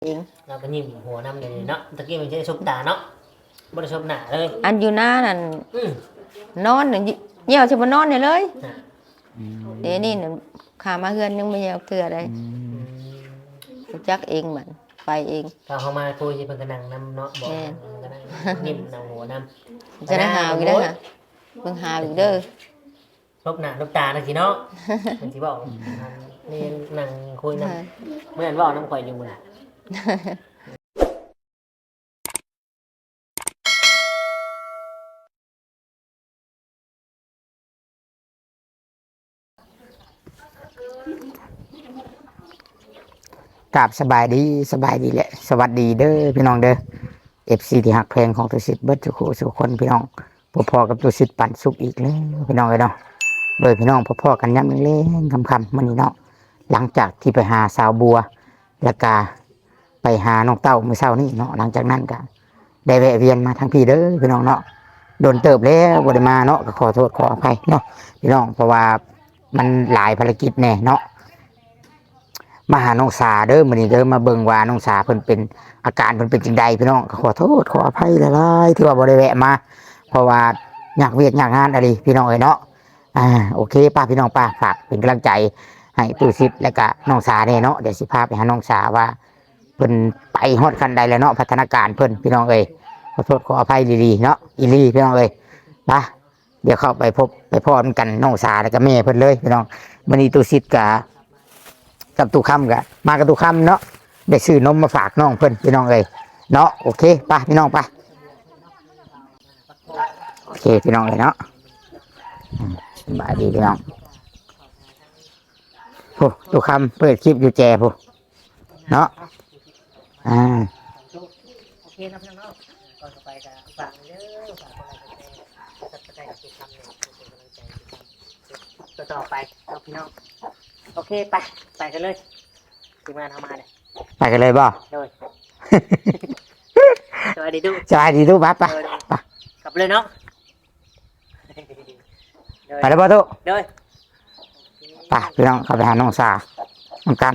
เองเราก็ยิ้มหัวนำเลยเนาะตะกี้มันจะชมตาเนาะบ่ได้ชมหน้าเลยอันอยู่หน้านั่นอืมนอนน่ะเหี่ยวสิบ่นอนได้เลยอ่ะเดี๋ยวนี้น่ะขามาเฮือนยังไม่เหี่ยวเทื่อใดอืมรู้จักเองมันไปเองตอนเขามาคุยสิเพิ่นก็นั่งนำเนาะบอกแม่นก็นั่งยิ้มนำหัวนำจะได้หาวอีกแล้วนะเบิ่งหาวอีกเด้อลบหน้าลบตาจังซี่เนาะมันสิบอกนี่นั่งคุยนำเมื่อนั้นเว้านำข่อยอยู่มื้อน่ะกราบสบายดีแหละสวัสดีเด้อพี่น้องเด้อFCที่หักเพลงของตุสิทธิ์เบิดทุกคู่ทุกคนพี่น้องพอๆกับตุสิทธิ์ปั่นสุกอีกแล้วพี่น้องเอ้ยเนาะโดยพี่น้องพอๆกันย้ำเล่นๆคำๆมื้อนี้เนาะหลังจากที่ไปหาสาวบัวแล้วก็ไปหาน้องเต้ามื้อเช้านี้เนาะหลังจากนั้นก็ได้แวะเวียนมาทางพี่เด้อพี่น้องเนาะโดนเติบแล้วบ่ได้มาเนาะก็ขอโทษขออภัยเนาะพี่น้องเพราะว่ามันหลายภารกิจแน่เนาะ มาหาน้องสาเด้อมื้อนี้เด้อมาเบิ่งว่าน้องสาเพิ่นเป็นอาการเพิ่นเป็นจังใดพี่น้องขอโทษขออภัยหลายๆที่ว่าบ่ได้แวะมาเพราะว่าอยากเวียกอยากงานอะไรพี่น้องเอ้ยเนาะโอเคป้าพี่น้องป้าฝากเป็นกำลังใจให้ตู้ซิดและก็น้องสาแน่เนาะเดี๋ยวสิพาไปหาน้องสาว่าเพิ่นไปฮอดคันใดแล้วเนาะพัฒนาการเพิ่นพี่น้องเอ้ยขอโทษขออภัยดีๆเนาะอีหลีพี่น้องเอ้ยไปเดี๋ยวเข้าไปพบไปพร้อมกันน้องสาแล้วก็แม่เพิ่นเลยพี่น้องมื้อนี้ตู้ซิดกับตู้คำกะมากับตู้คำเนาะได้ซื้อนมมาฝากน้องเพิ่นพี่น้องเลยเนาะโอเคป่ะพี่น้องป่ะโอเคพี่น้องเลยเนาะสบายดีพี่น้องโอ้ตู้คำเปิดคลิปอยู่แจผู้เนาะโอเคนะพี่น้องก่อนจะไปก็ฝากเด้อฝากคนละใจกับทุกคำเนี่ยเป็นกำลังใจต่อไปเอาพี่น้องโอเคไปกันเลยทีมงานทำมาเลยไปกันเลยบ่โดยสวัสดีดูสบายดีตู้ป่ะป่ะป่ะกลับเลยเนาะไปแล้วป่ะตู้โดยป่ะพี่น้องเข้าไปหาน้องสาน้องกัน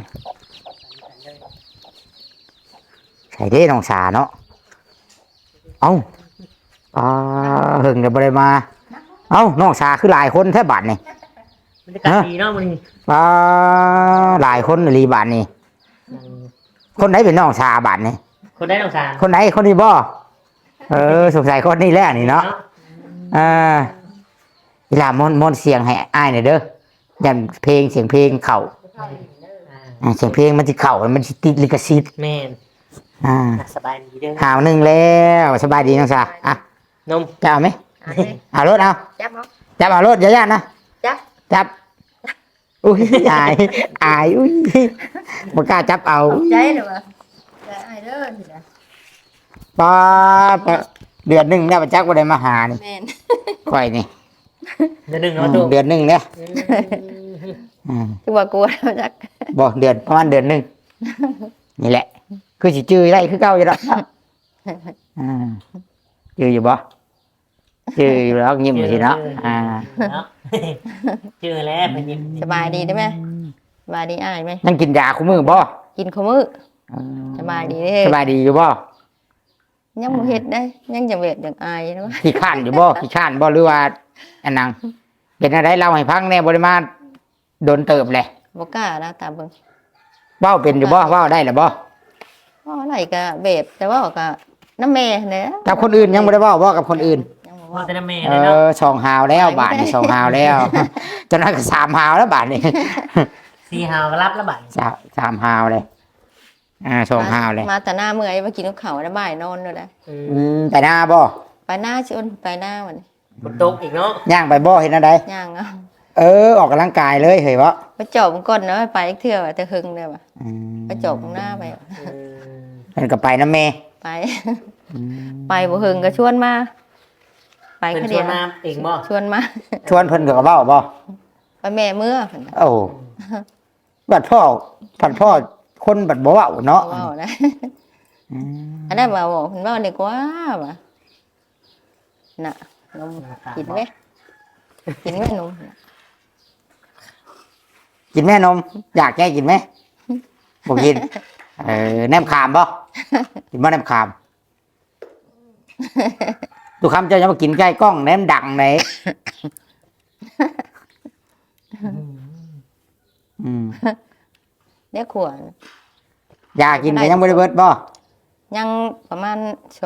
ใส่ได้น้องสาเนาะเอ้าหึงเดี๋ยวบ่ได้มาเอ้าน้องสาคือหลายคนแท้บัดนี่บรรยากาศดีเนาะมันหลายคนรีบาทนี่คนไหนเป็นน้องชาบาทนี่คนได้น้องสารคนไหนคนนี้บ่สงสัยคนนี้แหละนี่เนาะเวลามนเสียงให้อ้ายหน่อยเด้อยันเพลงเสียงเพลงเข่าเสียงเพลงมันจะเข่ามันจะติดลิขสิทธิ์แม่นสบายดีเด้อหาวหนึ่งแล้วสบายดีน้องชาอ่ะนมจะเอาไหมเอารถเอาจับเอาจับเอารถอย่าย่านนะ จับอุ้ยอายอุ้ยบ่กล้าจับเอาใจเหรอวะใจอ้ายเด้อสินะป้าเดือนหนึ่งเนี่ยประจักษ์บ่ได้มาหานี่แม่นค่อยนี่เดือนหนึ่งเนาะตู้เดือนหนึ่งเนี่ยคือว่ากลัวแล้วจักบอกเดือนประมาณเดือนหนึ่งนี่แหละ คือสิจื้อได้คือเก่าอยู่แล้วจื้ออยู่บ่จื้ออยู่แล้วยิ้มอยู่สิเนาะเจอแล้วเป็นยิ้มสบายดีได้ไหมสบายดีอ้ายไหมนั่งกินยาคู่มือบ่กินข้าวมื้อสบายดีเด้สบายดีอยู่บ่ยังบ่เฮ็ดได้ยังจะเวทอย่างอายนะวะขี้ข้านอยู่บ่ขี้ข้านบ่หรือว่าอันนังเป็นอะไรเล่าให้ฟังแน่บ่ได้มาโดนเติบเลยบ่กล้านะตามเบิ่งเว้าเป็นอยู่บ่เว้าได้หรือบ่ว่าอะไรก็เวทแต่ว่าก็น้ำแม่เนี่ยกับคนอื่นยังบ่ได้เว้าบ่กับคนอื่นยังบ่ว่าว่าแต่ละแม่เลยเนาะสองหาวแล้วบาทนี่สองหาวแล้วจนนั้นก็สามหาวแล้วบาทนี่สี่หาวก็รับแล้วบัดสามหาวเลยสองหาวเลยมาแต่หน้าเมื่อยมากินข้าวแล้วบ่ายนอนเลยนะไปหน้าบ่ไปหน้าชวนไปหน้าวันฝนตกอีกเนาะย่างไปบ่เห็นอะไรย่างเอาออกกำลังกายเลยเฮ้ยวะไปจอบมันก่อนนะไปอีกเทื่อว่าแต่หึงเลยว่ะไปจอบข้างหน้าไปมันก็ไปนะเมย์ไป ไปบ่หึงก็ชวนมา ไปเป็นแค่ชเดีวยนวน้ำเองบ่ชวนมาชวนเพิ่นกับเบ้าบ่ไปแม่เมื่อเพิ่นน่ะโอ้บัดพ่อคนบัดบ่เว้าเนาะว้าวนะอันนั้นมาบอกเพิ่นว่าดีกว่าว่ะน่ะนมกินไหมกินไหมนมกินแม่นมอยากแกกินไหมบ่กินแนมขามบ่ กินบ่แนมขามทุกคำเจ้าจะมากินใกล้กล้องแนมดังไหนอืมเดี๋ยวขวญยากินก็ยังบ่ได้เบิดบ่ยังประมาณ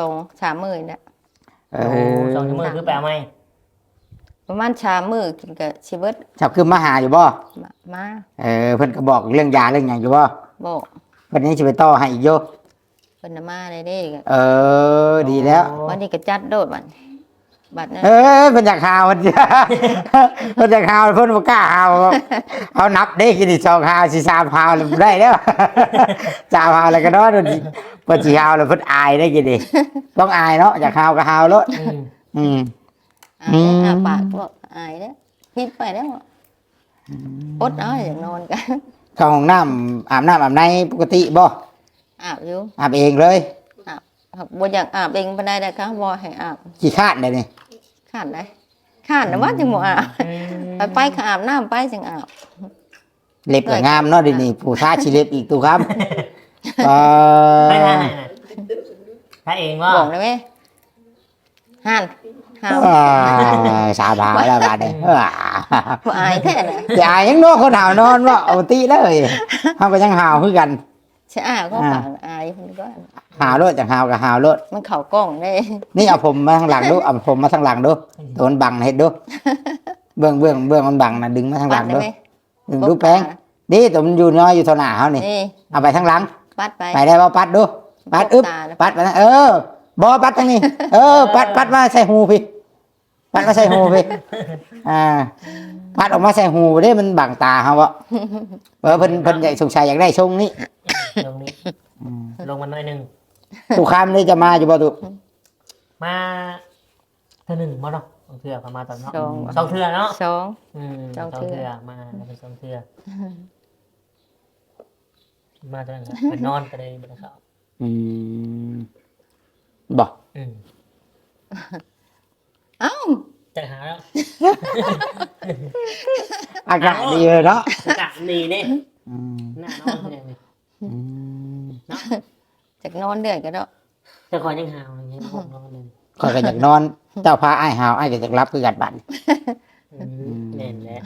2-3 มื้อเนี่ยเอโอ้อสองชั่วโมงคือแปลไหมประมาณ3 มื้อกินก็สิเบิดชอบคือมาหาอยู่บ่มาเพิ่นก็บอกเรื่องยาเรื่องหยังอยู่บ่บอกเพิ่นยังสิไปต่อให้อีกอยู่เพิ่นน่ะมาได้เด้ก็ดีแล้ววันนี้ก็จัดโดดบัดนั้นเพิ่นอยากหาวเพิ่นเพิ่นอยากหาวเพิ่นบ่กล้าหาวเอานับเด้กินอีก2หาวสิ3หาวแล้วได้แล้ว3หาวแล้วก็นอนเพิ่นสิหาวแล้วเพิ่นอายได้กินดิต้องอายเนาะอยากหาวก็หาวโลดอืมอืมอายปากบอกอายเด้อพิดไปแล้วอดเอาอย่างนอนกันเข้าห้องน้ำอาบน้ำอาบในปกติบ่อาบอยู่อาบเองเลยครับบ่อยากอาบเองปานใดนะคะบ่ให้อาบขี้คร้าดได้นี่ข้านได้ข้านน่ะว่าจังบ่อาบไปก็อาบน้ำไปจังอาบเล็บก็งามเนาะเดี๋ยวนี้ผู้ทาชิเล็บอีกตูครับไม่ได้ถ้าเองว่าบอกได้ไหมห่านหาวสาบาวแล้วบาดนี้บ่อายแท้น่ะอย่ายังนอนคนหาวนอนว่าเอาติเลยเฮาก็ยังหาวคือกันสิอาบก็ปากอายเพิ่นก็หาวโลดจังหาวก็หาวโลดมันเข้ากล้องได้นี่เอาผมมาทางหลังดูเอาผมมาทางหลังดูตัวมันบังเฮ็ดดูเบื้องมันบังน่ะดึงมาทางหลังได้ดูไหมดึงดูแป้งนี่ตัวมันอยู่น้อยอยู่เท่าหน้าเฮานี่นี่เอาไปทางหลังปัดไปไปได้บ่ปัดดูปัดอึ๊บตาน่ะปัดไปนะบ่ปัดทางนี้ปัดมาใส่หูพี่ปัดมาใส่หูพี่ปัดออกมาใส่หูเด้มันบังตาเฮาบ่เพิ่นอยากสงสัยอยากได้ทรงนี้ลงนี้ลงมาหน่อยหนึงทุกคำนี่จะมาอยู่บ่ตุมาเทื่อหนึ่งมาเนาะสองเทื่อประมาณตอนเนาะสองสองเทื่อเนาะสองสสออง งเทื่เทื่ออมาเป็นสองเทื่อมาตอนนั้นครับไปนอนไปเลยบนเขาอืมบ่อืมเอ้าจะหาแล้วอากาศดีเลยเนาะอากาศดีเนี่ยอืมหน้านอนเนี่ยอืมจากนอนเดือดก็ได้จะคอยยังหาวอย่างเงี้ยผมนอนเลยข้อยก็อยากนอน เจ้าพาอ้ายหาวอ้ายก็อยากรับคือกันบัดเน่นแหละ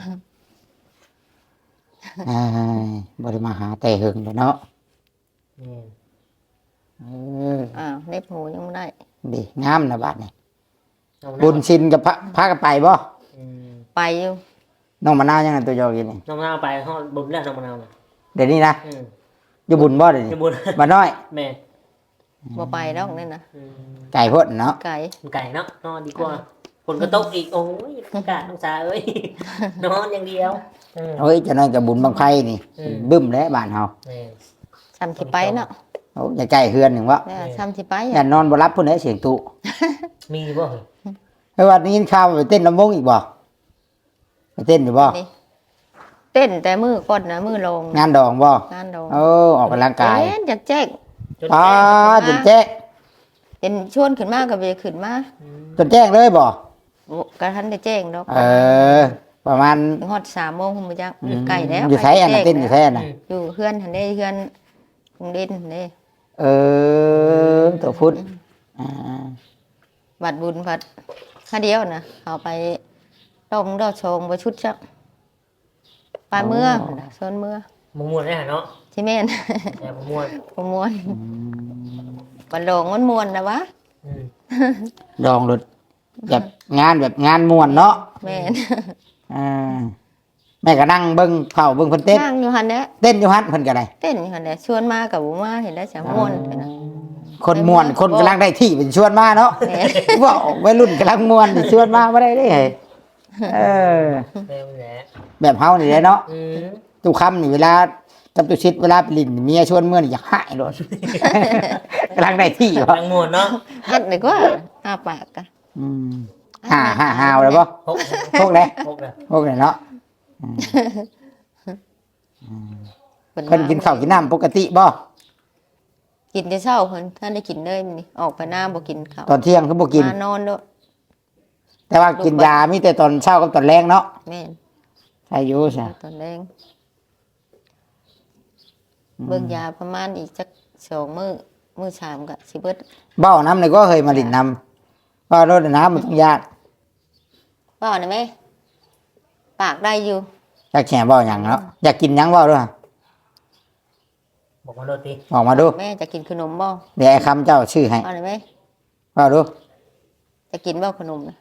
อ้ายบ่ได้มาหาแต่หึงเลยเนาะเน่นเอออ้าวเล็บหูยังไม่ได้ดีงามนะบัดนี้เอาหน้าบุญชินกับพากันไปบ่อืมไปอยู่น้องมะนาวยังไงตัวโยกินนี่น้องมะนาวไปห้องบุญแล้วน้องมะนาวน่ะเดี๋ยวนี้นะอืมอยู่บุญบ่เดี๋ยวนี้จะบุญมาน้อยแม่บ่ไปแล้วนี่นะอืมไก่พ่นเนาะไก่ไก่เนาะนอนดีกว่าฝนก็ตกอีกโอ้ยอากาศน้องสาเอ้ย นอนอย่างเดียวเออเฮ้ยเจะนั่นกับบุญบังไฟนี่อืมบึ้มแล้วบ้านเฮาแม่ซ้ำที่ไปเนาะโอ้อย่าใกล้เฮือนหนึ่งวะแล้วซ้ำที่ไปอย่านอนบ่รับพุ่นเด้เสียงตุมีบ่เฮ้ยวันนี้ข่าวว่าไปเต้นลำวงอีกบ่ไปเต้นอยู่บ่นี่เต้นแต่มือก่อนนะมือลงงานดองบ่งานดองเออออกกำลังกายเต้นจากแจ๊กจนอ๋อแก่จนแจ้งเห็นชวนขึ้นมากับเบขึ้นมาอืมจนแจ้งเลยบ่โอ้กระทันได้แจ้งดอกประมาณฮอด3 โมงผมบ่จักอยู่ไกลแล้วอยู่ไสอันน่ะเต้นอยู่ไสอันน่ะอยู่เพื่อนหันได้เพื่อนคงเด่นหันได้เออตัวพุทธอ่าบัดบุญบัดค่าเดียวนะเอาไปต้มดอกชงบ่ชุดจักปลายเมื่อโซนเมื่อมม่วนได้หะเนาะที่แม่นแต่มม่วนบ่ม่วนบัดโลงมันม่วนนะวะอืมดองรถแบบงานแบบงานม่วนเนาะแม่นอ่าแม่ก็นั่งเบิ่งเผาเบิ่งเพิ่นเต้นนั่งอยู่หั่นแหละเต้นอยู่ฮั่นเพิ่นก็ได้เต้นอยู่หั่นแหละชวนมากับบ่มาเห็นได้วจะม่วนไปนะคนม่วนคนกำลังได้ที่เป็นชวนมาเนาะแม่นว่าวัยรุ่นกำลังม่วนนี่ชวนมาบ่ได้เด้เออเร็วแหละแบบเฮานี่แหละเนาะอืมตุคำนี่เวลากับตุชิดเวลาไปลิ้นเมียชวนเมื่อนี่อยากหายโลด กำลังได้ที่บ่ทางม่วนเนาะอัดเลยก็อ้าปากกะอืมหาวแล้วบ่พกพวกไหนพกเลยพวกไหนเนาะเพิ่นกินข้าวกินน้ำปกติบ่กินแต่เช้าเพิ่นท่านได้กินเลยมื้อนี้ออกไปหน้าบ่กินข้าวตอนเที่ยงคือบ่กินมานอนด้วยแต่ว่ากินยามีแต่ตอนเช้ากับตอนแรงเนาะแม่นใช่อยู่ใช่ตอนแรงเบิ่งยาประมาณอีกจักมื้อสามก็สิเบิดเบ้าน้ำนี่ก็เคยมาลิ้นน้ำว่ารถน้ำมันต้องยากเว้าได้ไหมปากได้อยู่อยากแข่เบ้าหยังเนาะอยากกินหยังเบ้าด้วยบอกมาโรตีออกมาดูแม่จะกินขนมบ่เดี๋ยวไอ้คำเจ้าชื่อให้เอาได้ไหมเบ้าดูจะกินบ่ขนมนะ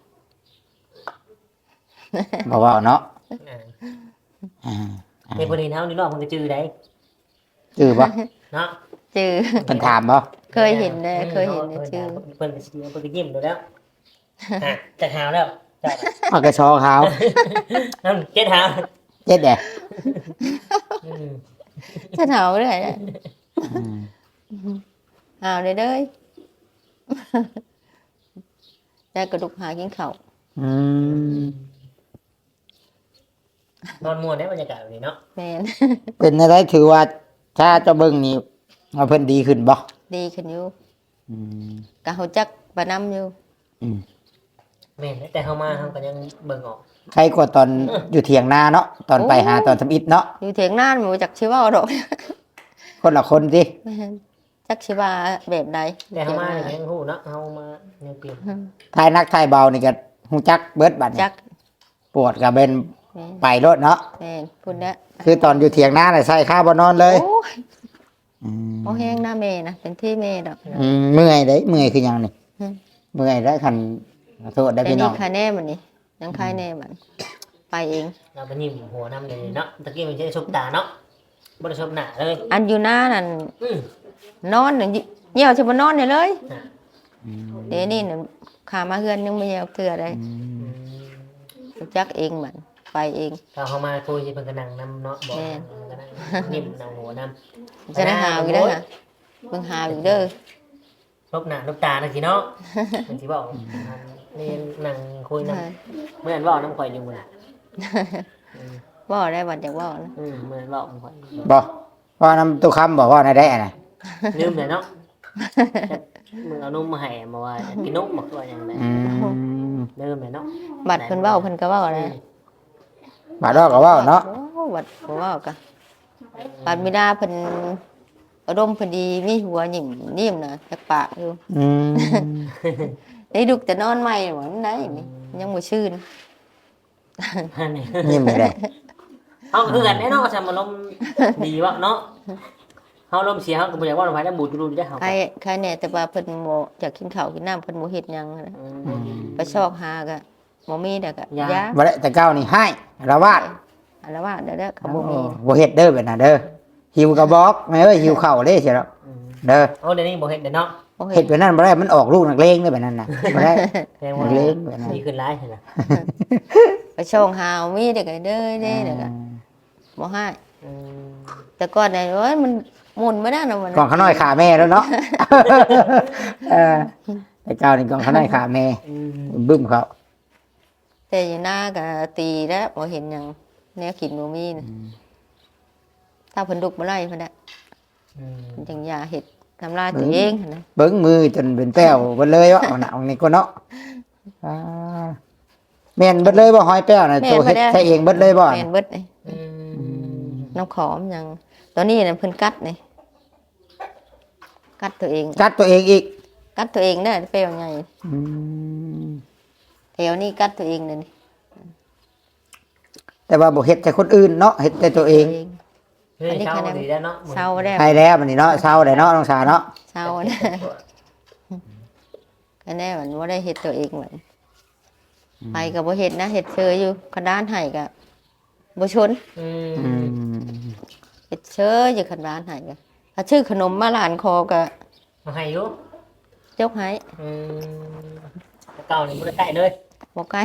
บอกว่าเนาะอ่าอ่าในประเด็นเฮานี่เนาะมันก็จื้อได้ชื่อบ่เนาะจือเป็นถามบ่เคยเห็นนะเคยเห็นนะชื่อเพิ่นก็สิเพิ่นก็ยิ้มดูแล้วอ่ะจะหาวแล้วจ้ะเอากระชอขาวนั่นเจ็ดหาวเจ็ดแดดอืมจะหนาวเรื่อยนะอืมหาวเลยเด้ย ได้กระดูกหากินข้าวอืมนอนม่วนได้บรรยากาศแบบนี้เนาะแม่นเป็นอะไรถือว่าถ้าเจ้าเบิ่งนี่เอาเพิ่นดีขึ้นบ่ดีขึ้นอยู่อืมกะเฮาจักบานำอยู่อืมแม่นแต่เฮามาเฮาก็ยังเบิ่งออกใครกว่าตอนอยู่เถียงนาเนาะตอนไปหาตอนทำอิฐเนาะอยู่เถียงนานบ่จักสิเว้าดอกคนละคนสิแม่นจักสิว่าแบบใดแต่เฮามาอย่างยังฮู้เนาะเฮามายังเปลี่ยนทายนักทายเบานี่ก็ฮู้จักเบิดบัดนี่จักปวดก็เป็นแม่นไปรถเนาะแม่นพุ่นแล้วคือตอนอยู่เถียงนาน่ะใส่ข้าวบ่นอนเลยโอ้ยอืมบ่แห้งหน้าแม่นะเป็นที่แม่ดอกเมื่อยเด้เมื่อยคือหยังนี่อืมเมื่อยได้คันขอโทษได้แต่พี่น้นี่องคาแน่มันนี่ยังคายแน่มันไปเองเราไปยิ้มหัวนำเลยเนาะตะกี้มันจะชบตาเนาะบ่ได้ชบหน้าเลยอันอยู่หน้านั่นอืมนอนน่ะเหี่ยวสิบ่นอนได้เลยอ่ะอืมเดี๋ยวนี้น่ะขามาเฮือนยังบ่เหี่ยวเทื่อได้อืมอืมรู้จักเองมันไปเองถ้าเฮามาคุยสิเพิ่นก็นั่งนำเนาะบอกแม่นก็นั่งยิ้มนั่งหัวนำจะได้หาอีกเด้อค่ะเบิ่งหาอีกเด้อลบหน้าลบตาจังซี่เนาะมันสิบอกนี่นั่งคุยนำเหมือนเว้านำข่อยอยู่มื้อน่ะเว้าได้บัดอยากเว้านะเหมือนเว้านำข่อยบ่ว่าน้ำตุคำบอกว่าในได้น่ะลืมเลยเนาะมึงเอานมมาให้มาว่าอยากกินนมบอกว่าอย่างไรอืมลืมเลยเนาะบัดเพิ่นเว้าเพิ่นก็เว้านะบาดดอกก็เว้าเนาะโอ้บัดบ่เว้าก็บัดมิดาเพิ่นอารมณ์เพิ่นดีมีหัวหยิ้มนิ่มนะจักปากอยู่อืมได้ดุกแต่นอนใหม่หว่ามันได้นี่ยังบ่ชื่นอันนี้ยิ้มไม่ได้เอาคือกันแน่เนาะว่าจะมาลมดีวะเนาะเขาลมเสียเขาก็บ่อยากว่าลมหายแล้วบูดรูได้เขาใครแน่แต่ว่าเพิ่นบ่อยากกินข้าวกินน้ำเพิ่นบ่เฮ็ดหยังนะ ไปชอกหาก็บ่มีแต่ก็ยาบ่ได้แต่เก้านี่ให้ระวาดอันละว่าเด้อเขาบ่มีบ่เฮ็ดเด้อแบบนั้นเด้อหิวกระบอกแม่เอ้ยหิวข้าวเด้เสียแล้วเด้อโอ้เดี๋ยวนี้บ่เห็นเดี๋ยวเนาะบ่เฮ็เฮ็ดดแบบนั้นบ่ได้มันออกลูกนักเลงเด้อแบบนั้นน่ะบ่ได้แสดงว่าเล่นแบบนั้นดีขึ้นร้ายเห็นไหมไปชอกหามีแต่ก็เด้อเด้อก็บ่ให้แต่ก่อนน่ะโอ้ยมันหมุนบ่ได้นะมันกล่องข้าวน้อยขาแม่แล้วเนาะ เออแต่เก้านี่กล่องข้าวน้อยขาแม่บึ้มเขาแต่อยู่หน้าก็ตีแล้วบ่เห็นหยังแนวกินบ่มีนะถ้าเพิ่นลุกบ่ไล่เพิ่นน่ะเพิ่นจังอย่าเฮ็ดทำลายตัวเองหั่นนะเบิ้งมือจนเป็นแป้วเบิดเลยวะเอาหนังนี่ก็เนาะอ่าแม่นเบิดเลยบ่หอยแป้วน่ะตัวเฮ็ดใช้เองเบิดเลยบ่แม่นเบิดนี่น้ำขอมหยังตอนนี้น่ะเพิ่นกัดนี่กัดตัวเองกัดตัวเองอีกกัดตัวเองเด้อเปรี้ยวใหญ่อืมแถวนี้กัดตัวเองเลยนี่แต่ว่าบ่เฮ็ดแต่คนอื่นเนาะเฮ็ดแต่ตัวเองอันนี้เช้าดีแล้วเนาะเศร้าได้ใช่แล้วมันนี่เนาะเช้าได้เนาะน้องสาเนาะเศร้าได้ก็แน่มันว่าได้เห็ดตัวเองเหมือนไปกับบ่เห็ดนะเห็ดเชยอยู่กระดานไห้กับบ่ชนอืมเห็ดเชยอยู่กระดานไห้กับถ้าชื่อขนมมาหลานคอกับมาให้อยู่ยกให้เก่านี่บ่ได้ใกล้เลยบ่ใกล้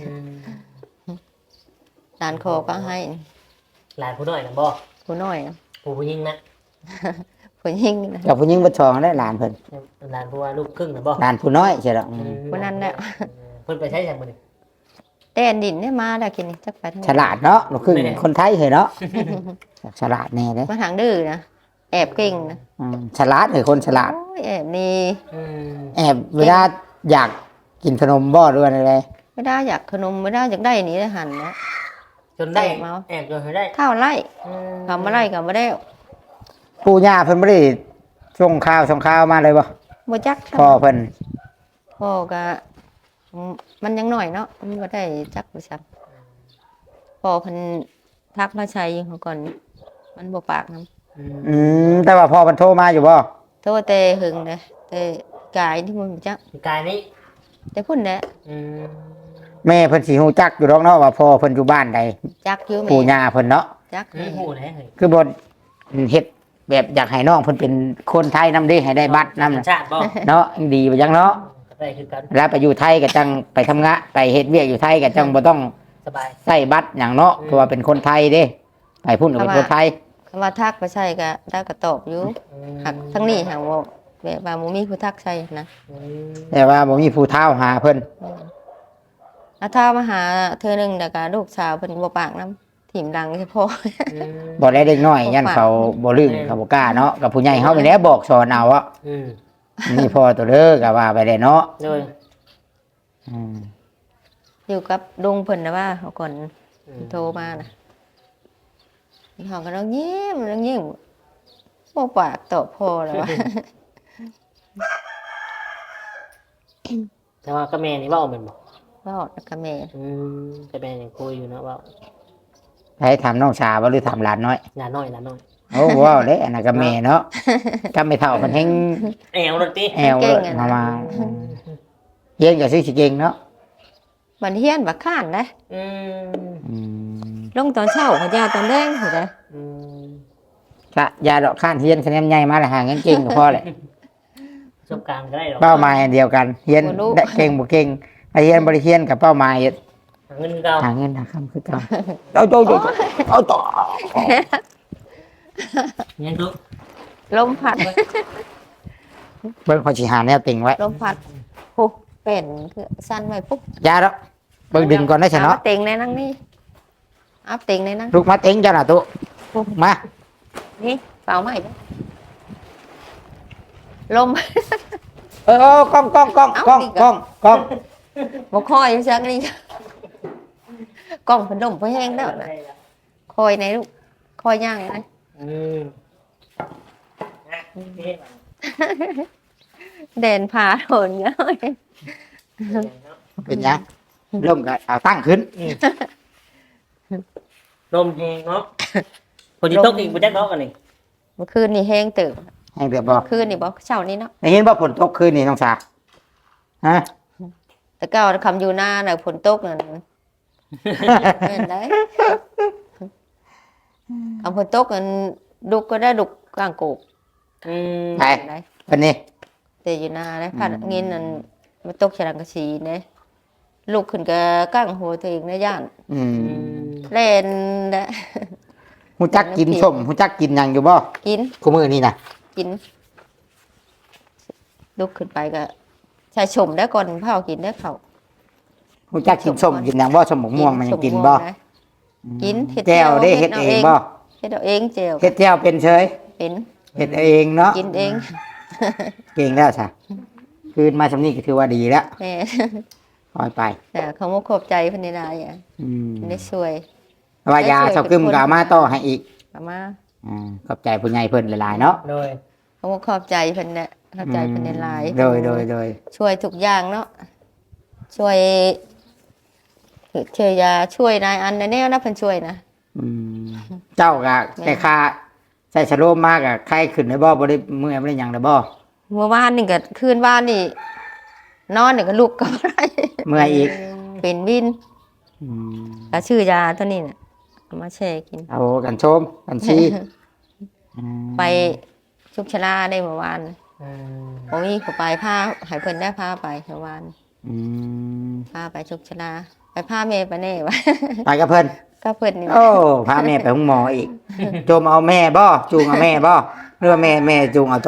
หลานคอก็ให้หลานผู้น้อยนะบ่ผู้น้อยนะผู้หญิงนะผู้หญิงนะกับผู้หญิงบ่ชองได้หลานเพิ่นหลานผู้ว่าลูกครึ่งนะบ่หลานผู้น้อยใช่ดอกผู้นั้นแหละเพิ่นไปใช้จากมื้อนี้แต่อันดินเนี่ยมาได้กินนี่จักไปทางฉลาดเนาะลูกครึ่งคนไทยเหรอเนาะฉลาดแน่เด้มาทางดื้อนะแอบเก่งนะฉลาดเหรอคนฉลาดโอ้ยแอบนี่แอบเวลาอยากกินขนมบ่ด้วยอะไรไม่ได้อยากขนมไม่ได้อยากได้อันนี้ได้หันนะจนได้แอบจนได้ข้าวไล่ทำมาไล่กับมาได้ปู่ย่าเพิ่นบ่ได้ส่งข่าวมาเลยบ่บ่จักพ่อเพิ่นพ่อก็มันยังน้อยเนาะมันบ่ได้จักบ่ซักพ่อเพิ่นทักมาใช้เขาก่อนมันบ่ปากนำแต่ว่าพ่อเพิ่นโทรมาอยู่บ่โทษแต่หึงนะแต่กายที่มันบ่จักกายนี้แต่พุ่นแหละอืมแม่เพิ่นสิฮู้จักอยู่ดอกเนาะว่าพ่อเพิ่นอยู่บ้านใดจักอยู่ปู่แม่ย่าเพิ่นเนาะจักนี่หูนะเฮ้ยคือบ่เฮ็ดแบบอยากให้น้องเพิ่นเป็นคนไทยนำเด้ให้ได้บัตรนำชาติบ่เนาะยังดีบ่จังเนาะได้คือกันแล้วไปอยู่ไทยก็จังไปทำงานไปเฮ็ดเวียกอยู่ไทยก็จังบ่ต้องสบายใส่บัตรหยังเนาะเพราะว่าเป็นคนไทยเด้ไปพุ่นก็เป็นคนไทยคำว่าทักไปใช่ก็ได้ก็ตอบอยู่หักทั้งนี้หักว่าแบบว่าบ่มีผู้ทักใช่นะแต่ว่าบ่มีผู้เฒ่าหาเพิ่นแล้วถ้ามาหาเธอหนึงแต่ก็ลูกสาวเพิ่นบ่ปากน้ำถิ่มดังเฉพาะบ่ได้เด็กน้อยยันเขาบ่ลืมเขาบ่กล้าเนาะกับผู้ใหญ่เฮาไปแล้วบอกสอนเอาอ่ะอืมนี่พ่อตัวเด้อก็ว่าไปได้เนาะโดยอืมอยู่กับลุงเพิ่นนะว่าเขาก่อนโทรมานะเขาก็ต้องยิ้มบ่ปากตอบพ่อแล้วว่าแต่ว่าก็แม่นี่เว่าเป็นบ่ว่าอดกับแม่แต่แม่ยังคุยอยู่นะว่าให้ถามน้องสาวบ่หรือถามหลานน้อยหลานน้อยหลานน้อยโอ้ว้าวเด้อันนั้นก็แม่เนาะก็ไม่เท่าเพิ่นแฮงแอวรถติแอวเลยมาเฮียนก็สิเก่งเนาะมันเฮียนบักข้านนะอืมอืมลงตอนเช้าเขายาตอนแดงเห็นไหมอืมก็อย่าดอกข้านเฮียนคะแนนใหญ่มาแล้วหาเงินเก่งก็พอแหละประสบการณ์ก็ได้หรอกเป้าหมายอันเดียวกันเฮียนได้เก่งบ่เก่งไอ้เฮียนบ่ได้เฮียนกับเป้าหมายหาเงินเราหาเงินหาคำคือเก่าเอาโจเอาต่อยังทุกลมพัดเบิ่งพอสิหาแนวติงไว้ลมพัดปุ๊บเป็นคือสั้นไว้ปุ๊บอย่าดอกเบิ่งดึงก่อนได้ซะเอาเนาะมาเต็งในนั่งนี่อัพเต็งในนั่งลูกมาเต็งจ้าน่ะตุมานี่เปล่าใหม่เด้อลมกล้องบ่คอยจักนี่กล้องเพิ่นดมเพิ่นแห้งแล้วนะคอยในลูกคอยย่างนะอืมนะนี่เด่นผาโดนเงี้ยเป็นหยังเริ่มก็เอาตั้งขึ้นลมแหงเนาะคนที่ตกอีกบ่จักเนาะกันนี่เมื่อคืนนี่แห้งตื่นให้เรียบบ่คืนนี่บ่เช้านี้เนาะได้ยินว่าฝนตกคืนนี่น้องสาฮะแต่ก็คำอยู่หน้าน่ะฝนตกนั่นแม่นได้คำฝนตกนั่นดุกก็ได้ดุกกลางโกกอืมไปได้วันนี้แต่อยู่หน้าได้พัดเงินนั่นมาตกฉลังกะสีเนี่ยลูกขึ้นก็ก้างหัวตัวเองในย่านอืมเล่นนะฮู้จักกินส้มฮู้จักกินหยังอยู่บ่กินคู่มื้อนี้น่ะกินลุกขึ้นไปก็ใช้ชมได้ก่อนเผากินได้เขาฮู้จักกินส้มกินหยังบ่ส้มหมกม่วงมันยังกินบ่กินเห็ดแจ่วได้เฮ็ดเองบ่เฮ็ดเอาเองแจ่วเฮ็ดแจ่วเป็นเฉยเป็นเฮ็ดเองเนาะกินเองเก่งแล้วซะคืนมาสำนี้ก็ถือว่าดีแล้วแม่ปล่อยไปแต่เขามาขอบใจเพันในลายอ่ะอืมได้ช่วยว่ายาเซากึมก็เอามาต่อให้อีกเอามาขอบใจผู้ใหญ่เพิ่นหลายๆเนาะโดยเขามาขอบใจเพันเนี่ยขอบใจเพันในลายโดยช่วยทุกอย่างเนาะช่วยช่วยยาช่วยนายอันในแนวนะเพิ่นช่วยนะอืมเจ้าก็แต่ค่าใส่ชะโลมมากอะใครขึ้นได้บ่บ่ได้เมื่อยบ่ได้หยังได้บ่เมื่อวานนี่ก็คืนวานนี่นอนนี่ก็ลุกก็บ่ได้เมื่อยอีกเป็นวินอืมก็ชื่อยาตัวนี้น่ะเอามาแช่กินเอากันชมกันชีอืมไปชุกชลาได้เมื่อวานอืมโอ้ยเขาไปพาให้เพิ่นได้พาไปเมื่อวานอืมพาไปชุกชลาไปพาแม่ไปแน่วะไปกับเพิ่นก็เพิ่นนี่โอ้พาแม่ไปห้องหมออีกโจมเอาแม่บ่จูงเอาแม่บ่หรือว่าแม่จูงเอาโต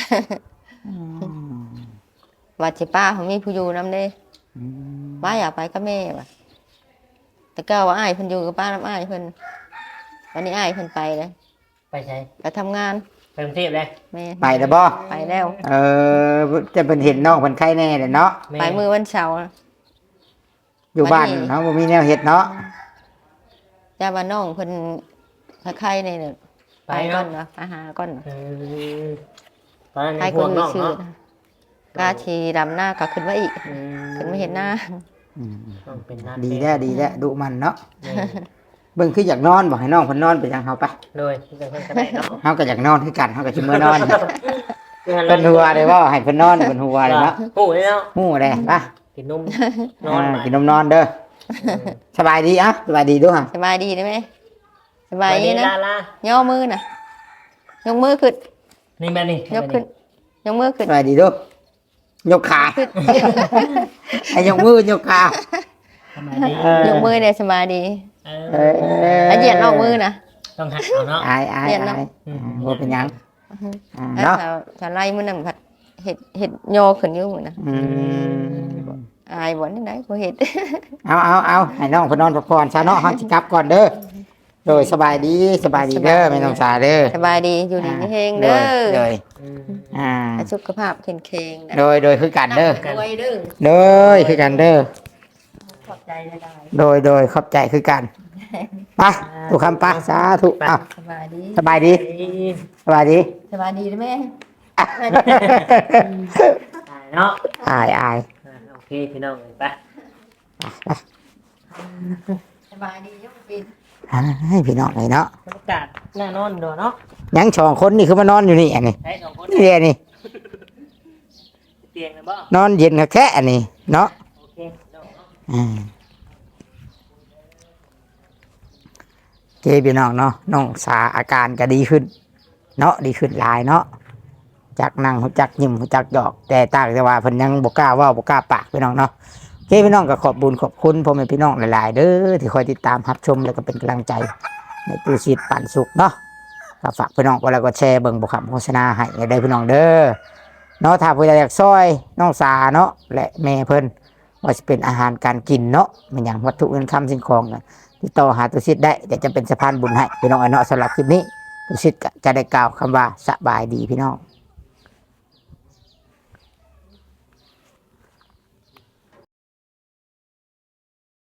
ว่าสิป้าเขามีผู้อยู่นำเด้อืมป้าอยากไปกับแม่ว่ะแต่ก็ว่าอ้ายเพิ่นอยู่กับป้าน้ำอ้ายเพิ่นวันนี้อ้ายเพิ่นไปเลยไปใช้ไปทำงานไปกรุงเทพเลยแม่ไปแล้วบ่ไปแล้วจะเป็นเห็นน้องเพิ่นไข้แน่เด้อเนาะแม่ไปมือวันเสาร์อยู่บ้านเนาะบ่มีแนวเฮ็ดเนาะจ้าว่าน้องเพิ่นถ้าใครในเนี่ยไปไปก่อนเนาะไปหาก่อนเนาะตอนนั้นไปในคห่วน งมีน้องชื่อเนาะนะกาชีดำหน้าก็ขึ้นมาอีกขึ้นมาเห็นหน้าอืมต้องเป็นหน้าดีแล้วดีแล้วดุมันเนาะนี่เบิ่งคืออยากนอนบอกให้น้องเพิ่นนอนไปจังเฮาไปเลยที่จะเพิ่นก็ได้เนาะเฮาก็อยากนอนคือกันเฮาก็สิมื้อนอนเพิ่เพิ่นหัวได้บ่ให้เพิ่นนอนเพิ่นหัวเลยเนาะโอ้ยเนาะฮู้ได้ปะกินนมนอนกินนมนอนเด้อสบายดีอ่ะสบายดีด้วยฮะสบายดีได้ไหมสไปบายดีนี่นะลาย่อมือนะยกมือขึ้นนี่แม่นี่ยกขึ้นยกมือขึ้นสบายดีด้วยยกขาขึ้นให้ยกมือยกขาทำไมดียกมือเนี่ยสบายดีเออแล้วเหยียดนอกมือนะต้องหัดเอาเนาะอายอายเรียนอาเนาะยบ่เป็นหยังแล้วเนาะถ้าไล่มือนั่นผัดเห็ดโยขึ้นอยู่มือนะอืมอายบ่นี่ไหนบ่เห็ดเอาให้น้องเพิ่นนอนพักผ่อนซะเนาะเฮาสิกลับก่อนเด้อโดยสบายดีเด้อไม่ต้องสาเด้อสบายดีอยู่ดีมีเฮงเด้อโดยอืมอ่าสุขภาพแข็งแรงนะโดยคือกันเด้อรวยเด้อโดยคือกันเด้อขอบใจได้โดยขอบใจคือกันไปทุกคำไปสาธุอ้าวสบายดีสบายดีสบายดีสบายดีได้ไหมเนาะอายโอเคพี่น้องไปสบายดียกปินให้พี่น้องเลยเนาะบรรยากาศน่านอนดูเนาะยังสองคนนี่คือมานอนอยู่นี่อันนี้ใช้สองคนนี่เลยนี่เตียงเลยบ่นอนเย็นแค่อันนี้เนาะโอเคเนาะเจพี่น้องเนาะน้องสาอาการก็ดีขึ้น เนาะดีขึ้นหลายเนาะจากนั่งหูจักยิ้มหูจักหยอก แต่ต่างแต่ว่าเพิ่นยังบ่กล้าเว้าบ่กล้าปากพี่น้องเนาะเจพี่น้องก็ขอบบุญขอบคุณพ่อแม่พี่น้องหลายๆเด้อที่คอยติดตามรับชมแล้วก็เป็นกำลังใจในตู้ชีดปั่นสุขเนาะก็ฝากพี่น้องก็แล้วก็แชร์เบิ่งบ่คำโฆษณาให้ได้พี่น้องเด้อเนาะถ้าผู้ใดอยากซอยน้องสาเนาะและแม่เพิ่นว่าจะเป็นอาหารการกินเนาะมันอย่างวัตถุเงินคำสิ่งของน่ะติดต่อหาตู้ชีดได้เดี๋ยวจะเป็นสะพานบุญให้พี่น้องเนาะสำหรับคลิปนี้ตู้ชีดก็จะได้กล่าวคำว่าสบายดีพี่น้อง